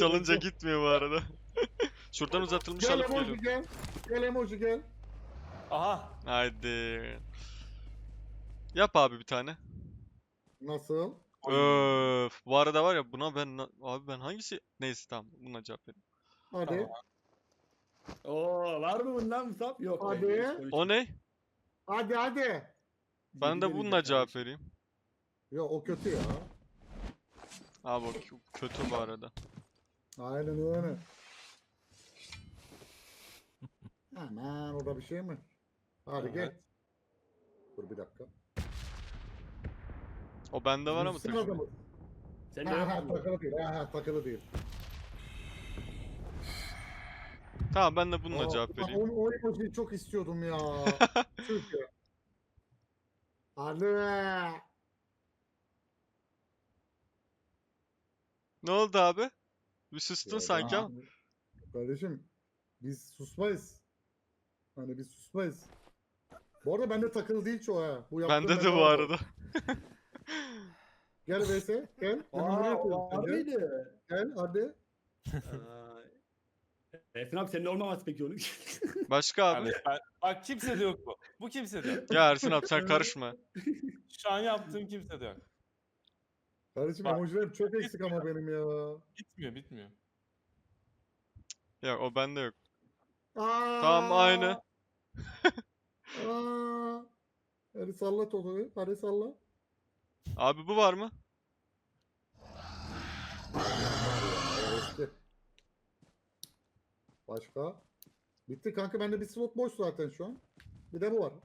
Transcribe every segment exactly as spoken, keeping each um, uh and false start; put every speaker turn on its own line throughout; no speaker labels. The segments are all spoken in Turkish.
çalınca gitmiyor bu arada. Şuradan uzatılmış
Gel
alıp
emoji
geliyorum.
gel. Gel emoji gel.
Aha.
Haydi. Yap abi bir tane.
Nasıl?
Öf. Bu arada var ya buna ben na- abi ben hangisi neyse tamam buna cevap vereyim.
Hadi.
Oo, var mı bundan Musab? Yok.
Hadi.
be, hiç konuşma.
O ne?
Hadi hadi.
Ben de
Yedi
bununla
demeyecek
cevap
kardeşim.
vereyim.
Ya o kötü ya.
Abi o kö- kötü bu arada.
Aynen öyle. Aman o da bir şey mi? Hadi gel. Dur bir dakika.
O bende var ama
Bilsin
takım.
adamı.
Sen de
Ha
yok
ha
mu?
takılı değil. Ha ha takılı değil.
Tamam ben de bununla
Aa,
cevap
ulan
vereyim.
O, o emojiyi çok istiyordum ya. Çünkü. Hadi.
Ne oldu abi? Bir sustun
Ya
sanki
ben-
ama.
Kardeşim biz susmayız. Hani biz susmayız. Bu arada bende takılı değil çoğu ha. Bu yaptığım
Bende de
bende
bu
var.
arada.
Gel V S gel.
Aa,
Hemen buraya koyuyorum
var
seni.
mıydı?
Gel hadi.
Aa, Ersin abi senin olmaması peki onun.
Başka abi.
Yani ben, bak kimse de yok bu. Bu kimse de yok.
Ya Ersin abi sen karışma.
Şu an yaptığım kimse de yok.
Kardeşim
Bak.
emojilerim çok eksik ama benim ya.
Bitmiyor bitmiyor.
Ya o bende yok.
Aa,
Tamam aynı.
Aa. Hadi salla Toto'yu. Hadi salla.
Abi bu var mı?
Eski. Başka? Bitti kanka bende bir slot boş zaten şu an. Bir de bu var.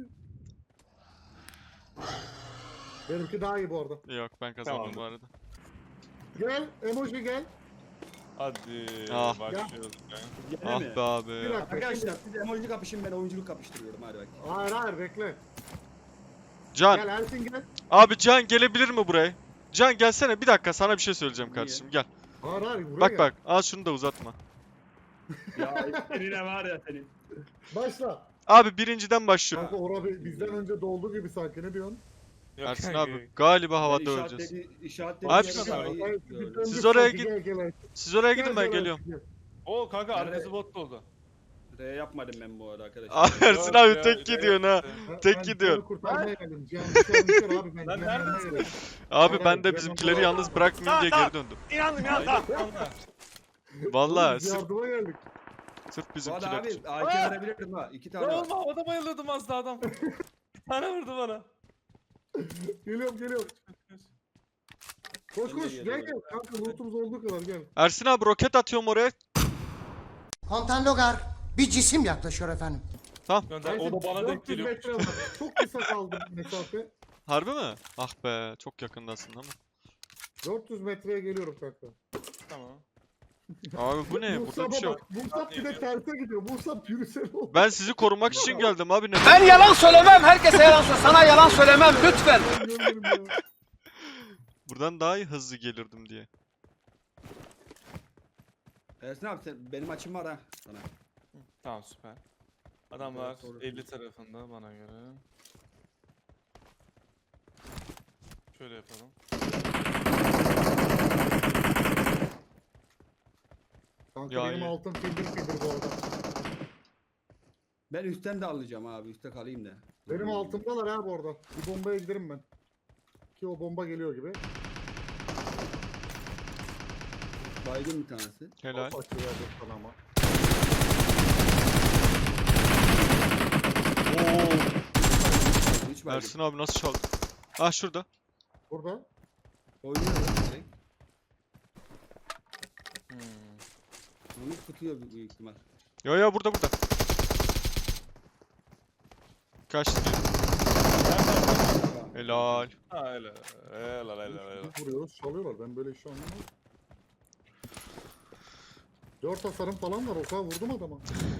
Benimki daha iyi bu arada.
Yok ben kazandım
Tamam.
bu arada.
Gel emoji gel.
Hadi
Ah.
başlıyoruz. Yani.
Gene
Ah
mi?
be
Bir
abi.
dakika.
Arkadaşlar siz emoji kapışın, ben oyunculuk kapıştırıyorum, hadi bak.
Hayır hayır bekle.
Can.
Gel Ersin gel.
Abi Can gelebilir mi buraya? Can gelsene bir dakika sana bir şey söyleyeceğim
Niye?
kardeşim gel.
Hayır hayır buraya
Bak
gel.
bak al şunu da uzatma.
Ya senin var ya senin.
Başla.
Abi birinciden başlıyorum.
Kanka ora bi- bizden önce doldu gibi sanki ne diyorsun?
Yok,
Ersin
kanka,
abi
yok.
galiba havada
Ben
öleceğiz.
işaretledi- işaretledi
Abi
yere
siz-
daha iyi
Hayır,
gördüm.
bizden
Siz
önce
oraya
sanki.
git-
Gel, gel, Ersin.
Siz oraya
Gel,
gidin ben
gel,
geliyorum.
Ersin, gel.
Oo kanka
Nerede?
arkası bot oldu.
R yapmadım ben bu arada arkadaşlar.
Abi Ersin
Yok
abi
ya,
tek gidiyorsun ha.
Ben-
Tek
ben
gidiyor.
Cihan'ı kurtarmaya geldim. Cihan düşer düşer abi ben
Lan
Cihan'ı yanına
neredesin?
geldim.
Abi
Hayır,
ben de
hayır,
bizimkileri
Cihan'ı-
yalnız bırakmayayım diye geri döndüm.
İnandım ya tamam.
Vallahi
Oğlum, biz
sırf,
yardıma geldik.
sırf
Bu arada
bizimkiler
abi
için.
A K verebilirdim ha. İki tane
Ne
var.
olma havada bayılıyordum az daha adam. Bir tane vurdu bana.
Geliyorum geliyorum. Koş
Ben de
koş gel
geliyorum.
gel. Kanka lootumuz olduğu kadar gel.
Ersin abi roket atıyorum oraya.
Komutan Logar, bir cisim yaklaşıyor efendim.
Gönder. O da bana denk
dört yüz
geliyor.
metre var. Çok kısa kaldı mesafe.
Harbi mi? Ah be çok yakındasın ama.
dört yüz metreye geliyorum kanka.
Tamam.
Abi bu ne? Burada
Musab'a
bir şey yok.
bak. Musab bir de terse gidiyor. Musab yürüsene oğlum.
Ben sizi korumak için geldim abi. Neden?
Ben yalan söylemem, herkese yalan söylemem. Sana yalan söylemem lütfen.
Ben görmedim ya.
Buradan daha iyi hızlı gelirdim diye.
Ersin abi sen, benim açım var ha sana.
Tamam süper. Adamlar
Evet, doğru.
elli tarafında bana göre. Şöyle yapalım.
Kanka
Ya
benim
iyi.
altın fildir fildir bu arada.
Ben üstten de alacağım abi, üstte kalayım da.
Benim altımdalar ha bu arada. Bir bombaya giderim ben. Ki o bomba geliyor gibi.
Baygın bir tanesi.
Helal.
Açıyor ya dur sana ama.
Oo.
Hiç baygın.
Ersin abi nasıl çaldı? Ah şurada.
Burada.
Oynuyor direkt.
Hmm.
Onu tutuyor büyük ihtimal.
Yo yo burada burada. Kaçtı. Helal.
Ha öyle. Helal helal helal.
Biz vuruyoruz çalıyorlar. Ben böyle işi anlamam. Dört hasarım falan var. O kadar vurdum adama.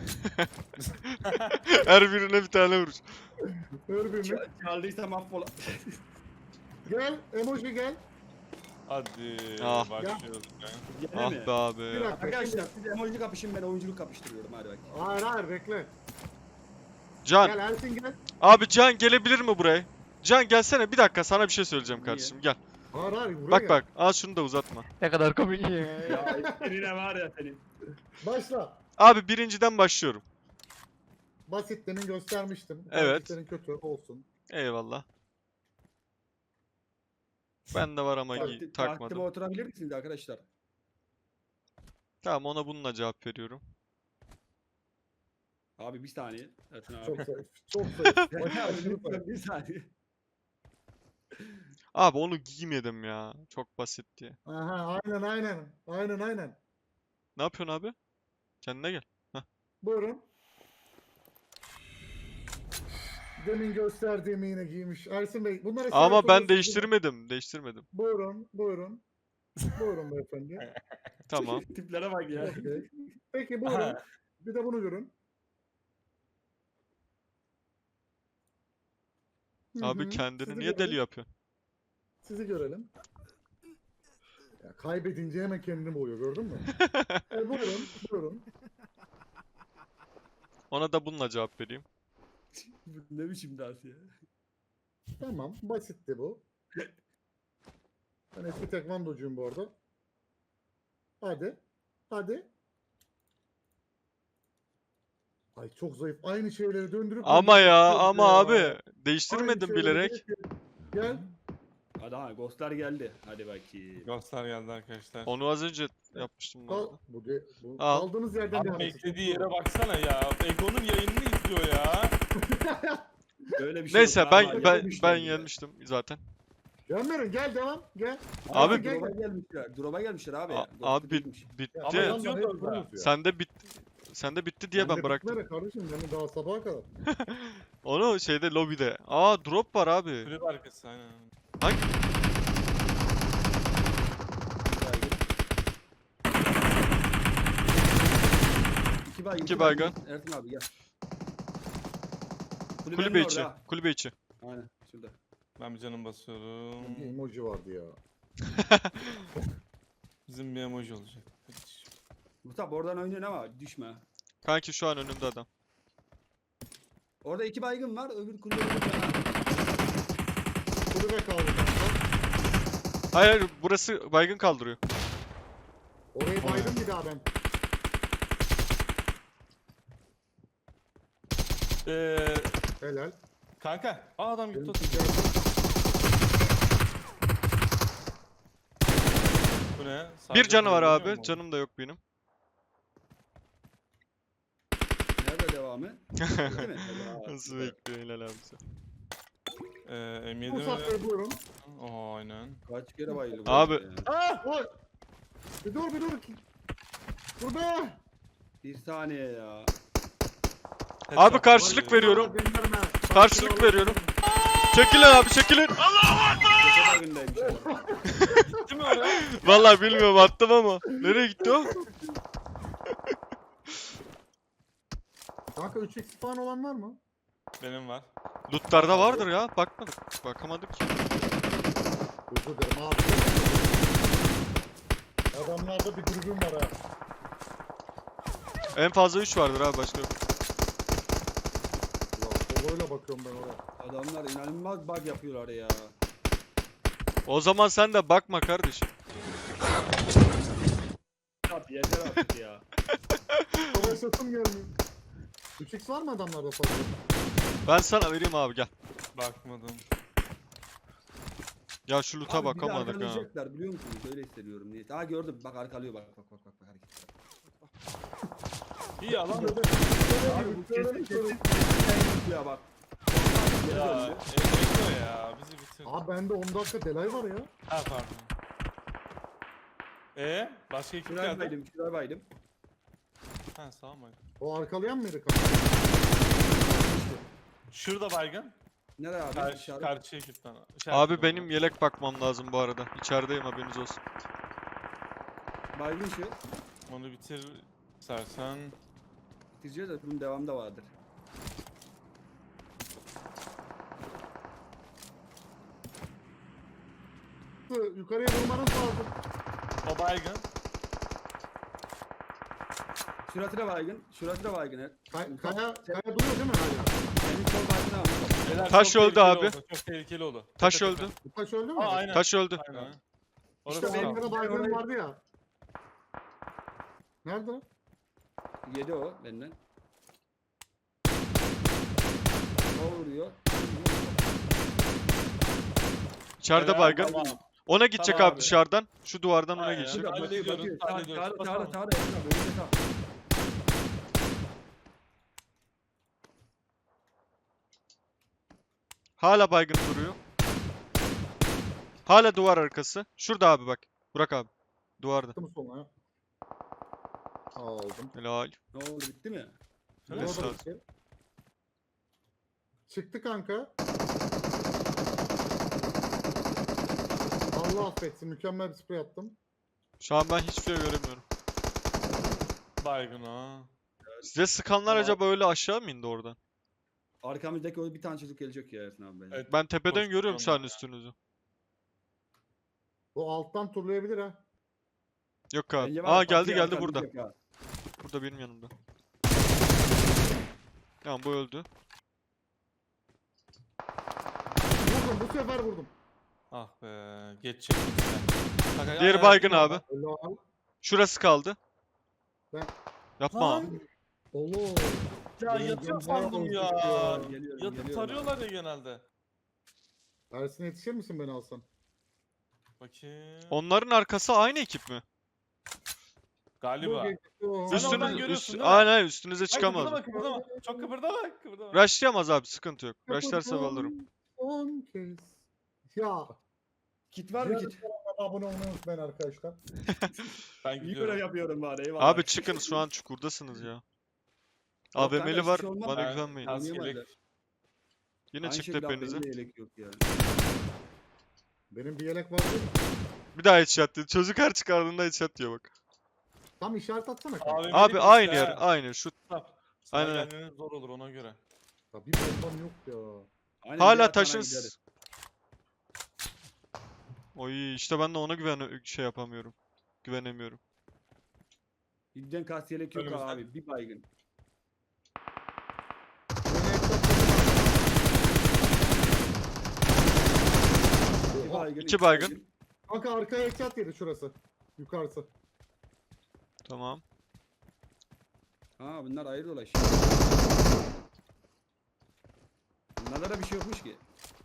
Her birine bir tane vuruş.
Her birini.
Çaldıysa mahvola.
Gel. Emoji gel.
Hadi
Ah.
başlıyoruz. Yani.
Gene
Ah
mi?
be
Bir
abi.
dakika.
Arkadaşlar siz emoji kapışın, ben oyunculuk kapıştırıyorum, hadi bak.
Hayır hayır bekle.
Can.
Gel Ersin gel.
Abi Can gelebilir mi buraya? Can gelsene bir dakika sana bir şey söyleyeceğim
Niye?
kardeşim gel.
Hayır hayır buraya
Bak
gel.
bak. Al şunu da uzatma.
Ne kadar komik.
Ya senin ne var ya senin.
Başla.
Abi birinciden başlıyorum.
Basit demin göstermiştim.
Evet.
Tercihlerin kötü olsun.
Eyvallah. Ben de var ama gi-
Takti- Taktıma
takmadım.
oturabilir misiniz arkadaşlar?
Tamam, ona bununla cevap veriyorum.
Abi bir saniye. Ersin abi.
Çok zayıf. Çok zayıf.
Ya
Başla,
abi,
aşırı
lütfen
zayıf.
bir saniye.
Abi onu giymedim ya. Çok basit diye.
Aha aynen aynen. Aynen aynen.
Ne yapıyorsun abi? Kendine gel.
Buyurun. Demin gösterdiğimi yine giymiş. Ersin Bey bunları
Ama
işaret
ben
oluyorsunuz değil mi?
değiştirmedim. Değiştirmedim.
Buyurun, buyurun. Buyurun beyefendi.
Tamam.
Tiplere bak ya.
Okey. Peki buyurun. Bir de bunu görün. Hı
Abi
hı,
kendini
sizi
niye deli
görelim.
yapıyorsun?
Sizi görelim. Ya kaybedince hemen kendini boyuyor gördün mü? e, buyurun, buyurun.
Ona da bununla cevap vereyim.
Bu ne biçim dans ya?
Tamam, basitti bu. Ben eski tekvandocuyum bu arada. Hadi, hadi. Ay çok zayıf. Aynı şeyleri döndürüp
Ama
döndürüp
ya
duruyoruz
ama
ya.
abi
Aynı
değiştirmedim
şeyleri
bilerek.
döndürüp- Gel.
Hadi ha ghostlar geldi. Hadi bakayım.
Ghostlar geldi arkadaşlar.
Onu az önce yapmıştım bu
Kal,
arada.
bu de, bu,
Al.
kaldığınız yerden
Abi
devam edin.
beklediği yere baksana ya. Ego'nun yayınını izliyor ya.
Böyle bir şey
Neyse
yok.
ben
Vallahi
ben
yenilmişler
ben
ya.
yenmiştim zaten.
Gelmeyin gel devam gel.
Abi-
Ersin, gel,
Drop'a
gel.
gelmişler. Drop'a gelmişler abi.
A-
Ghost'u
abi bit,
bitmiş.
Ya
bitti.
ama yandan
Yazıyor
hep
da orada.
vuruyoruz ya.
Sende bit sende bitti diye
Ben
ben
de
bıraktım.
bitmedi kardeşim yani daha sabaha kadar.
Onu şeyde lobide. Aa drop var abi.
Kulüp arkası aynen.
İki baygın.
İki baygın.
Ersin abi gel. Kulübenin
Kulübe
orada
içi.
ha.
Kulübe içi.
Aynen şurada.
Ben bir canım basıyorum.
Bir emoji vardı ya.
Bizim bir emoji olacak. Kardeşim.
Mustafa oradan oynuyorsun ama düşme.
Kanki şu an önümde adam.
Orada iki baygın var. Öbür kulübenin orada.
Kulübe kaldı kanka.
Hayır hayır, burası baygın kaldırıyor.
Orayı baydım bir daha ben.
Ee,
Helal.
kanka. Aa adam gitti.
Benim
oturdu.
ticaretim-
Bu ne?
Bir
Sadece
canı var
kullanıyor
abi.
mu?
Canım da yok benim.
Nerede devamı? Değil mi? Helal.
Nasıl bekliyor helal abi sen.
Ee, M yedi mi?
Musab Bey buyurun.
Aa aynen.
Kaç kere bayıldı bu
Abi-
arada ya.
Ah! Oy! Bir dur bir dur. Dur be!
Bir saniye ya.
Abi karşılık veriyorum.
Vallahi gönderme.
Karşılık
Sakin ol.
veriyorum. Çekilin abi çekilin.
Köşe baygındaymış adam.
Gitti mi oraya?
Vallahi bilmiyorum attım ama. Nereye gitti o?
Kanka üç x falan olan var mı?
Benim var.
Lootlarda vardır ya. Bakmadık. Bakamadık.
Özür dilerim abi. Adamlarda bir dürbün var ha.
En fazla üç vardır abi başka yok.
Ulan soloyla bakıyorum ben oraya.
Adamlar inanılmaz bug yapıyorlar ya.
O zaman sen de bakma kardeşim.
Abi yeter artık ya.
Savaşasım gelmiyor. üç x var mı adamlarda fazla?
Ben sana vereyim abi gel.
Bakmadım.
Ya şu loot'a
Abi bizi
bakamadık ha.
arkalayacaklar biliyor musunuz? Öyle hissediyorum niye? Aa gördüm. Bak arkalıyor bak bak bak bak bak hareketler.
İyi alan.
Abi bu kesin kesin kesin ya bak.
Ya. Ego ya. Bizi bitirdi.
Abi bende on dakika delay var ya.
Ha pardon. Ee, başka ekip
Şuraya
geldi.
baydım, şuraya baydım.
Ha sağ mı?
O arkalayan mıydı kanka?
Şurada baygın.
Nereye abi?
Karşı,
İşaret.
karşı ekipten.
Abi benim yelek bakmam lazım bu arada. İçerideyim haberiniz olsun.
Baygın şu.
Onu bitir istersen.
Bitireceğiz de bunun devamı da vardır.
Yukarıya vurmanız lazım.
O baygın.
Şurasına baygın. Şurasına baygın. evet.
Kay- Kaya, kaya duruyor değil mi hala?
Senin sol baygını almış.
Beyler,
Taş
çok
öldü
tehlikeli
abi.
oldu, Çok tehlikeli oldu.
Taş
Tepe,
öldü.
tepe.
Bu taş öldü mü?
Aa aynen.
Taş öldü.
Aynen.
İşte
Orası
benim
sağ.
de baygınım vardı ya. Nerede o?
Yedi o benden. O vuruyor.
İçeride
Helal,
baygın.
tamam.
Ona gidecek
Tamam
abi
abi.
dışarıdan. Şu duvardan ona
Aynen.
geçecek.
Şurada
Hadi
bakıyor
gidiyoruz,
bakıyor.
hadi
Sağ-
gidiyoruz.
Sağda sağda
Basalım.
sağda. Önünde sağ.
Hala baygın duruyor. Hala duvar arkası. Şurada abi bak. Burak abi. Duvarda.
Attım sonra. Aldım.
Helal.
Ne oldu bitti mi?
Bu
Evet,
da
sağ ol.
bitti. Çıktı kanka. Allah affetsin. Mükemmel bir sprey attım.
Şu an ben hiçbir şey göremiyorum.
Baygın ha.
Size sıkanlar
Tamam.
acaba öyle aşağı mı indi oradan?
Arkamızdaki o bir tane çocuk gelecek ya Ersin abi bence.
Evet.
Ben tepeden
Boş
görüyorum şu an
onlar ya.
üstünüzü.
Bu alttan turlayabilir ha.
Yok abi.
Bence var
Aa
ya,
geldi
Fatih
geldi
arkamda
burada.
diyecek ha.
Burada benim yanımda. Tamam bu öldü.
Vurdum bu sefer vurdum.
Ah be. Geçecek. Kanka,
Diğeri
ay,
baygın
ay,
abi.
Helal.
Şurası kaldı.
Ben-
Yapma.
Lan.
Allah.
Ya
Benim
yatıyor
canım bayağı
sandım
bozuk
ya.
ya.
Geliyorum,
Yatıp
geliyorum
tarıyorlar ya genelde.
Ersin yetişir misin beni alsan?
Bakayım.
Onların arkası aynı ekip mi?
Galiba.
Bu geçti o.
Sen
Üstünüz,
oradan görüyorsun
üst,
değil mi?
aynen aynen, üstünüze
Ay,
çıkamaz.
kıpırdama kıpırdama. Çok kıpırdama kıpırdama.
Rushlayamaz abi sıkıntı yok. Rushlarsa
Kapatın
alırım.
Son kez. Ya.
Kit var mı kit?
Abone olmayı unutmayın arkadaşlar.
Ben
İyi
gidiyorum.
görev yapıyorum bari eyvallah.
Abi çıkın şu an çukurdasınız ya.
kanka,
A V M'li
hiçbir
var
şey olmaz.
bana
Ben-
güvenmeyin.
Kas
Oynayamazlar.
yelek.
Yine
Aynı
çıktı
şekilde abi,
hepinize.
benim de yelek yok ya.
Benim bir yelek var değil mi?
Bir daha headshot diyor. Çocuk her çıkardığında headshot diyor bak.
Tam işaret atsana kanka.
A V M'li
Abi
birisi
aynı
ha.
yer aynı şu.
Sana
Aynen.
gelmeniz zor olur ona göre.
Ya bir bombam yok ya.
Aynen,
Hala
diğer tane
taşın.
gideriz.
Oy işte ben de ona güven şey yapamıyorum. Güvenemiyorum.
İbden kas yelek yok
Önümüzde.
abi. Bir baygın.
Beni hesap
Bir
Oha.
baygın.
İki baygın.
Kanka arkaya headshot yedi şurası. Yukarısı.
Tamam.
Ha bunlar ayrı dolaş. Bunlarda da bir şey yokmuş ki.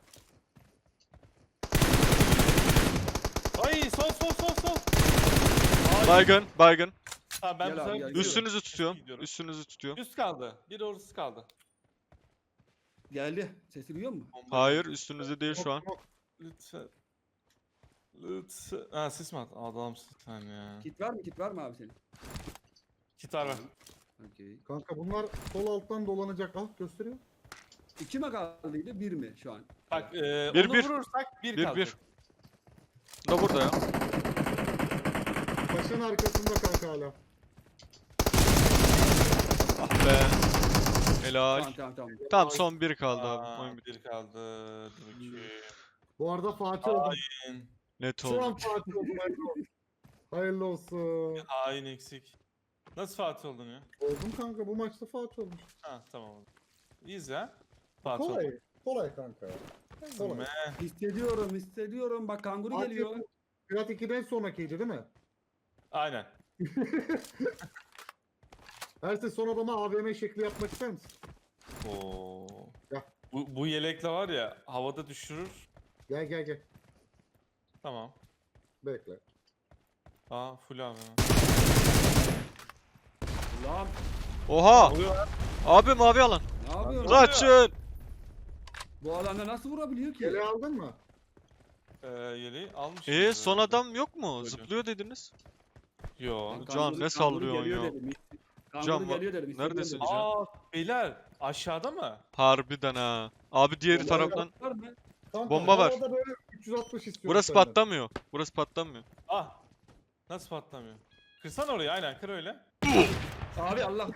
Ay sol sol sol sol. Ay.
Baygın, baygın.
Tamam ben
Gel
bu
abi,
sefer
gel,
gidiyorum.
Üstünüzü tutuyorum.
Gidiyorum.
Üstünüzü tutuyorum.
Üst kaldı. Bir orası kaldı.
Geldi. Sesi duyuyor musun?
Bomba.
Hayır üstünüzde değil şu an.
Lütfen. Lütfen. Ha sis mi at? Adamsın sen ya.
Kit var mı? Kit var mı abi senin?
Gitar ver.
Okey.
Kanka bunlar sol alttan dolanacak. Ah gösteriyor.
İki mi kaldıydı? Bir mi şu an?
Bak e,
Bir,
onu
bir.
vurursak bir,
Bir,
kalacak.
bir. Bu da burada ya.
Taşın arkasında kanka hala.
Ah be. Helal.
Tamam tamam tamam.
Tamam son bir kaldı
Aa,
abi. Oyun bitti.
bir kaldı. Dur bakayım.
Bu arada Fatih oldum.
Hain.
Net
Şu an
oldu.
Fatih oldum. Hayırlı olsun. Hayırlı olsun.
Hain eksik. Nasıl Fatih oldun ya?
Oldum kanka bu maçta Fatih olmuş.
Ha tamam. İyiyiz ya. Fatih
Kolay.
oldun.
Kolay kanka. Kolay.
Me.
Hissediyorum hissediyorum. Bak kanguru
Fatih
geliyor.
Pirat ikiden sonrakiydi değil mi?
Aynen.
Ersin son adama A V M şekli yapmak ister misin?
Oo.
Ya.
Bu, bu yelekle var ya havada düşürür.
Gel gel gel.
Tamam.
Bekle.
Aa full abi.
Ulan
Oha!
Oluyor lan.
Abi mavi alan.
ne yapıyorsun?
Kaçın!
Bu alanda nasıl vurabiliyor ki?
Yeleği aldın mı?
Ee, yeleği almış.
Ee son adam yok mu? Zıplıyor dediniz.
Yo.
Lan
Can,
kanguru-
ne
kanguru
sallıyorsun
geliyor
ya?
dedim. Kanguru
Can,
geliyor dedim. hissediyorum
neredesin
dedim.
Can?
Aa beyler aşağıda mı?
Harbiden ha. Abi diğeri
Bomba
taraftan.
var mı?
Kanka,
Bomba var.
havada böyle üç yüz altmış istiyorum
Burası
senden.
patlamıyor. Burası patlamıyor.
Ah. Nasıl patlamıyor? Kırsan orayı aynen kır öyle.
Abi Allah.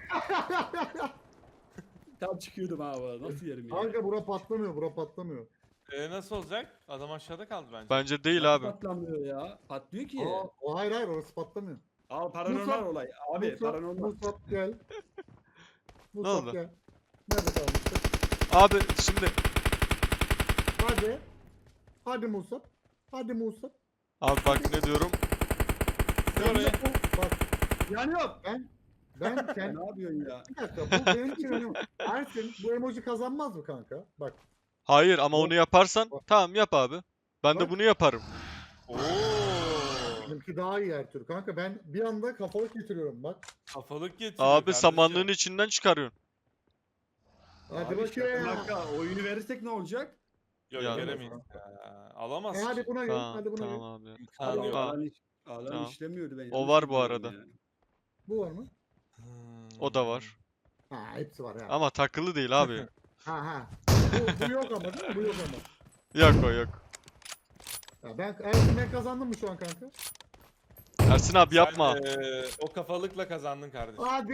Tam çıkıyordum abi. Nasıl yerim ya?
Kanka bura patlamıyor, bura patlamıyor.
Ee, nasıl olacak? Adam aşağıda kaldı bence.
Bence değil
Nasıl
abi.
Patlamıyor ya. Patlıyor ki.
Aa, o hayır hayır orası patlamıyor.
Al paranormal
Musab-
olay. Abi
Musab,
paranormal.
Musab gel. Musab
oldu?
gel. Nerede kalmıştık?
Abi şimdi
Hadi. Hadi Musab. Hadi Musab.
abi bak ne diyorum.
Sen
oraya.
de bu- Bak
Yani yok.
ben ben kend,
Ne yapıyorsun ya?
bir dakika bu benim için önemli. Ersin bu emoji kazanmaz mı kanka? Bak.
Hayır ama onu yaparsan tamam yap abi. Ben de
Bak.
bunu yaparım.
Oo.
Benimki daha iyi Ertuğrul. Kanka ben bir anda kafalık getiriyorum bak.
Kafalık getiriyor
Abi
kardeşim.
samanlığın içinden çıkarıyorsun.
Hadi
Abi şaka
bakayım.
maka, oyunu verirsek ne olacak?
Yok
Ya.
veremeyiz ya. Alamaz
E hadi
ki.
buna gel.
Tamam
Hadi buna
tamam
gel.
abi.
İmkanı
Abi
yok.
Tamam.
alan, iş, alan
Tamam.
işlemiyordu ben.
O
yanlış
var bu
biliyorum
arada.
ya.
Bu var mı?
Hmm.
O da var.
Ha hepsi var ya.
Ama takılı değil abi.
Ha ha. Bu, bu yok ama değil mi? Bu yok ama.
Yok o yok.
Ya ben Ersin ben kazandım mı şu an kanka?
Ersin abi yapma.
Sen, eee, o kafalıkla kazandın kardeşim.
Hadi.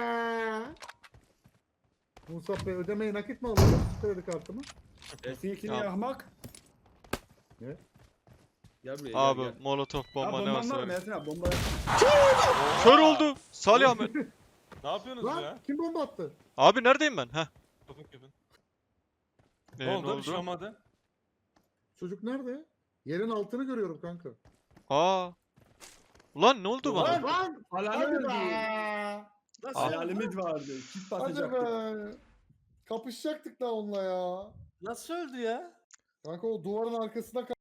Musab Bey ödemeyi nakit mi alıyorsun? Kredi kartımı.
Ersin ikini
Tamam.
yakmak.
Ne?
Gel buraya
Abi
gel gel.
molotof
Ha,
bomba ne
bomban
varsa
var mı
ver.
Ersin abi bomba.
Kör oldu. Salih Ahmet.
Ne yapıyorsunuz
Lan
ya?
kim bomba attı?
Abi neredeyim ben? Heh.
Kapın kapın.
Ee,
Ne oldu? Bir şey olmadı.
Çocuk nerede? Yerin altını görüyorum kanka.
Aa. Ulan ne oldu bana?
Lan lan!
Alanı
Hadi
öldü.
be!
Hayalimiz vardı. Çift
Hadi
basacaktık.
be! Kapışacaktık da onunla ya.
Nasıl öldü ya?
Kanka o duvarın arkasında